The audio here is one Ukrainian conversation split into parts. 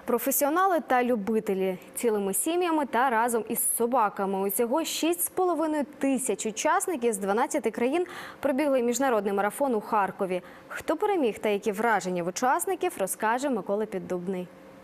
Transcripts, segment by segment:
Професіонали та любителі цілими сім'ями та разом із собаками. Усього 6,5 тисяч учасників з 12 країн пробігли міжнародний марафон у Харкові. Хто переміг та які враження в учасників, розкаже Микола Піддубний.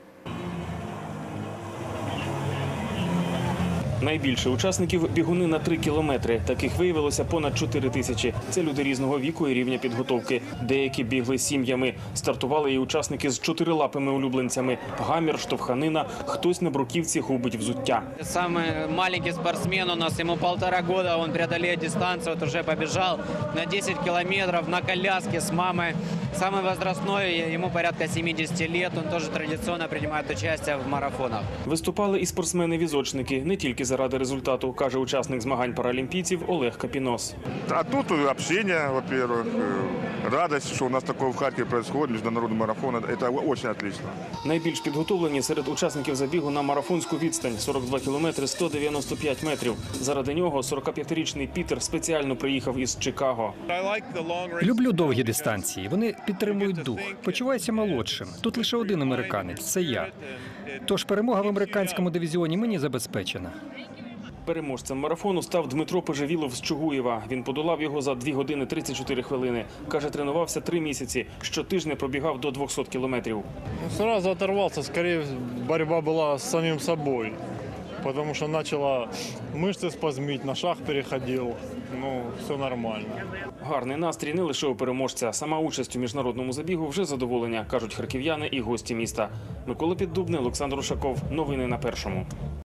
Найбільше учасників – бігуни на 3 кілометри. Таких виявилося понад 4 тисячі. Це люди різного віку і рівня підготовки. Деякі бігли сім'ями. Стартували і учасники з чотирилапими улюбленцями. Гамір, штовханина, хтось на бруківці губить взуття. Самый маленький спортсмен у нас, ему 1,5 года, он преодолеет дистанцию, вот уже побежал на 10 километров на коляске с мамой. Самый возрастной, ему порядка 70 лет, он тоже традиционно принимает участие в марафонах. Виступали і спортсмени-візочники, не тільки заради результату, каже учасник змагань паралімпійців Олег Капінос. А тут общение, во-первых, радость, что у нас такое в Харькове происходит, международный марафон, это очень отлично. Найбільш підготовлені серед учасників забігу на марафонську відстань – 42 кілометри 195 метрів. Заради нього 45-річний Пітер спеціально приїхав із Чикаго. Люблю довгі дистанції. Вони підтримують дух. Почуваюся молодшим. Тут лише один американець – це я. Тож перемога в американському дивізіоні мені забезпечена. Переможцем марафону став Дмитро Поживілов з Чугуєва. Він подолав його за 2 години 34 хвилини. Каже, тренувався 3 місяці. Щотижня пробігав до 200 кілометрів. Сразу оторвался, скорее борьба была с самим собой, потому что начала мышцы спазмить, на шаг переходил, все нормально. Гарний настрій не лише у переможця. Сама участь у міжнародному забігу вже задоволення, кажуть харків'яни і гості міста. Микола Піддубний, Олександр Ушаков. Новини на Першому.